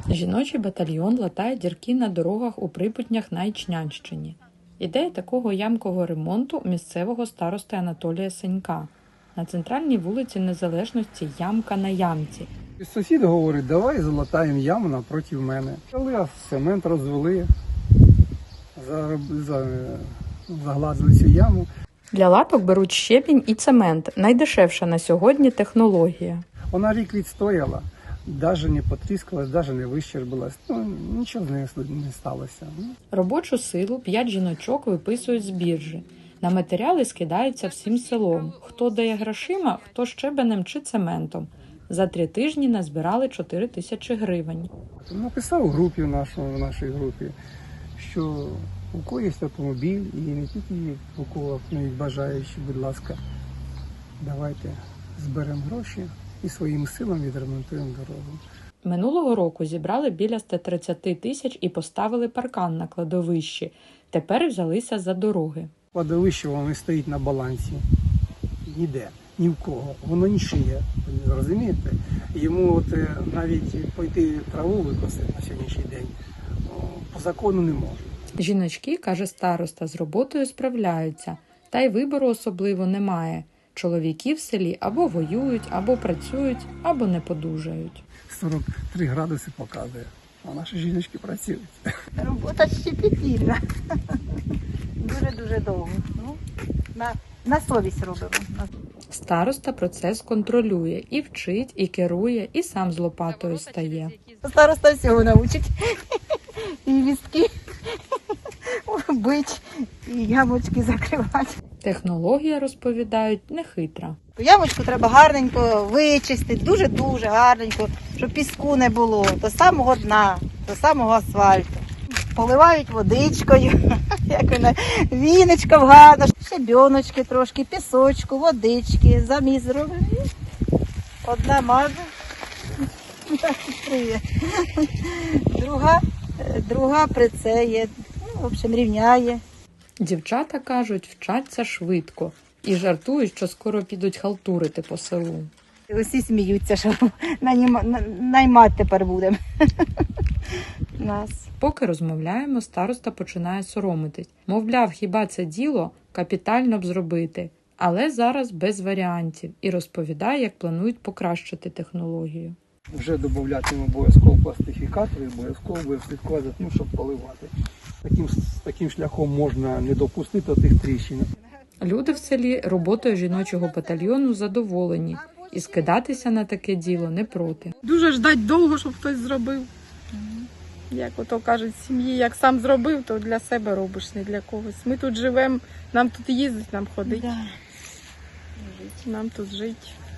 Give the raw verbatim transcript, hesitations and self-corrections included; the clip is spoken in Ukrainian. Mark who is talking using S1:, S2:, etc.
S1: Жіночий батальйон латає дірки на дорогах у Припутнях на Ічнянщині. Ідея такого ямкового ремонту місцевого старости Анатолія Сенька. На центральній вулиці Незалежності ямка на ямці.
S2: Сусід говорить, давай залатаємо яму напроти мене. Коли цемент розвели, загладили цю яму.
S1: Для латок беруть щебінь і цемент – найдешевша на сьогодні технологія.
S2: Вона рік відстояла, навіть не потріскалась, навіть не вищербилась. Ну, нічого з нею не сталося.
S1: Робочу силу п'ять жіночок виписують з біржі. На матеріали скидаються всім селом. Хто дає грошима, хто щебенем чи цементом. За три тижні назбирали чотири тисячі гривень.
S2: Написав у групі, в, нашому, в нашій групі, що у кого є автомобіль і не тільки у кого навіть бажаючи, будь ласка, давайте зберемо гроші і своїми силами відремонтуємо дорогу.
S1: Минулого року зібрали біля ста тридцяти тисяч і поставили паркан на кладовищі. Тепер взялися за дороги.
S2: Кладовище воно стоїть на балансі. Ніде, ні в кого. Воно не шиє, розумієте? Йому от навіть пойти траву викосити на сьогоднішній день по закону не може.
S1: Жіночки, каже староста, з роботою справляються. Та й вибору особливо немає. Чоловіки в селі або воюють, або працюють, або не подужають.
S2: сорок три градуси показує, а наші жіночки працюють.
S3: Робота щепетільна. Дуже-дуже довго. Ну, на, на совість робимо.
S1: Староста процес контролює, і вчить, і керує, і сам з лопатою стає.
S3: Староста всього навчить. І вістки бить, і ямочки закривати.
S1: Технологія, розповідають, нехитра.
S3: Ямочку треба гарненько вичистити, дуже-дуже гарненько, щоб піску не було, до самого дна, до самого асфальту. Поливають водичкою, як вона, віничком гарно, щебіночки трошки, пісочку, водички, заміс зробимо. Одна маже, друга, друга прицеє, ну, в общем, рівняє.
S1: Дівчата, кажуть, вчаться швидко і жартують, що скоро підуть халтурити по селу.
S3: Усі сміються, що наймати тепер будемо нас.
S1: Поки розмовляємо, староста починає соромитись. Мовляв, хіба це діло капітально б зробити, але зараз без варіантів і розповідає, як планують покращити технологію.
S2: Вже додатимемо обов'язково пластифікатори, обов'язково буде слідкувати за тим, щоб поливати. Таким, таким шляхом можна не допустити тих тріщин.
S1: Люди в селі роботою жіночого батальйону задоволені і скидатися на таке діло не проти.
S4: Дуже ждать довго, щоб хтось зробив. Як ото кажуть, в сім'ї, як сам зробив, то для себе робиш, не для когось. Ми тут живемо, нам тут їздить, нам ходить,
S3: Да.
S4: нам тут жить.